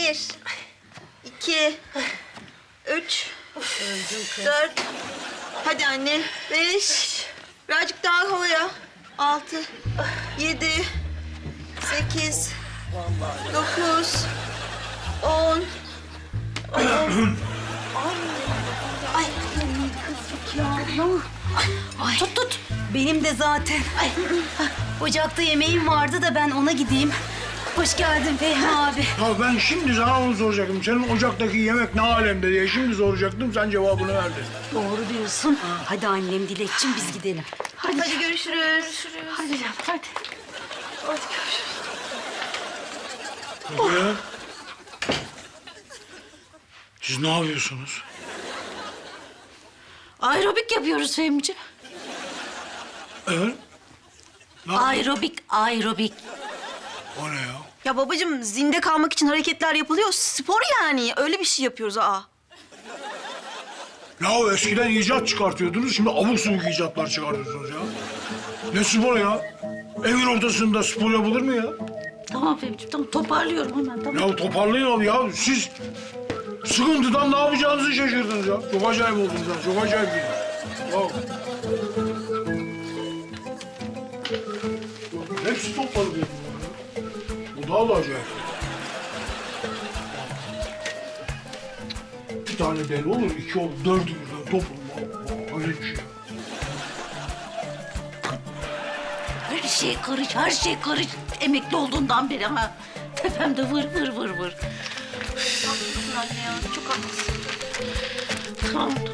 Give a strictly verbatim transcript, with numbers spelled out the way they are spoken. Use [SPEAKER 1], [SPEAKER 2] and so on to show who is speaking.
[SPEAKER 1] Bir, iki, üç, dört. Hadi anne. Beş. Birazcık daha havaya. Altı, yedi, sekiz, dokuz, on.
[SPEAKER 2] Ay kızık ya. Ay. Tut tut. Benim de zaten. Ay. Ocakta yemeğim vardı da ben ona gideyim. Hoş geldin Fehmi abi.
[SPEAKER 3] Ya ben şimdi sana onu soracaktım. Senin ocaktaki yemek ne alemde diye şimdi soracaktım. Sen cevabını verdin.
[SPEAKER 2] Doğru diyorsun. Hadi annem Dilekçim biz gidelim. Hadi.
[SPEAKER 1] Hadi görüşürüz. Görüşürüz.
[SPEAKER 2] Hadi canım hadi.
[SPEAKER 1] Hadi görüşürüz.
[SPEAKER 3] Ya. Siz ne yapıyorsunuz?
[SPEAKER 2] Aerobik yapıyoruz Fehmi'ciğim.
[SPEAKER 3] Evet. Ne?
[SPEAKER 2] Aerobik, aerobik.
[SPEAKER 3] O ne ya?
[SPEAKER 1] Ya babacığım zinde kalmak için hareketler yapılıyor. Spor yani. Öyle bir şey yapıyoruz aa.
[SPEAKER 3] Ya eskiden icat çıkartıyordunuz. Şimdi abuk subuk icatlar çıkartıyorsunuz ya. Ne spor ya? Evin ortasında spor yapılır mı ya?
[SPEAKER 2] Tamam Fehmi'ciğim tamam toparlıyorum hemen tamam.
[SPEAKER 3] Ya toparlayın abi ya. Siz sıkıntıdan ne yapacağınızı şaşırdınız ya. Çok acayip oldunuz ya. Çok acayip bir. Ya. Hepsi topladı benim bunları. Bu daha da acayip. Bir tane deli olur, iki olur, dördü birden toplanma. Öyle bir şey.
[SPEAKER 2] Her şey karış, her şey karış. Emekli olduğundan beri ha. Tepemde vır vır vır vır.
[SPEAKER 1] Haklısın anne ya. Çok haklısın.
[SPEAKER 2] Tamam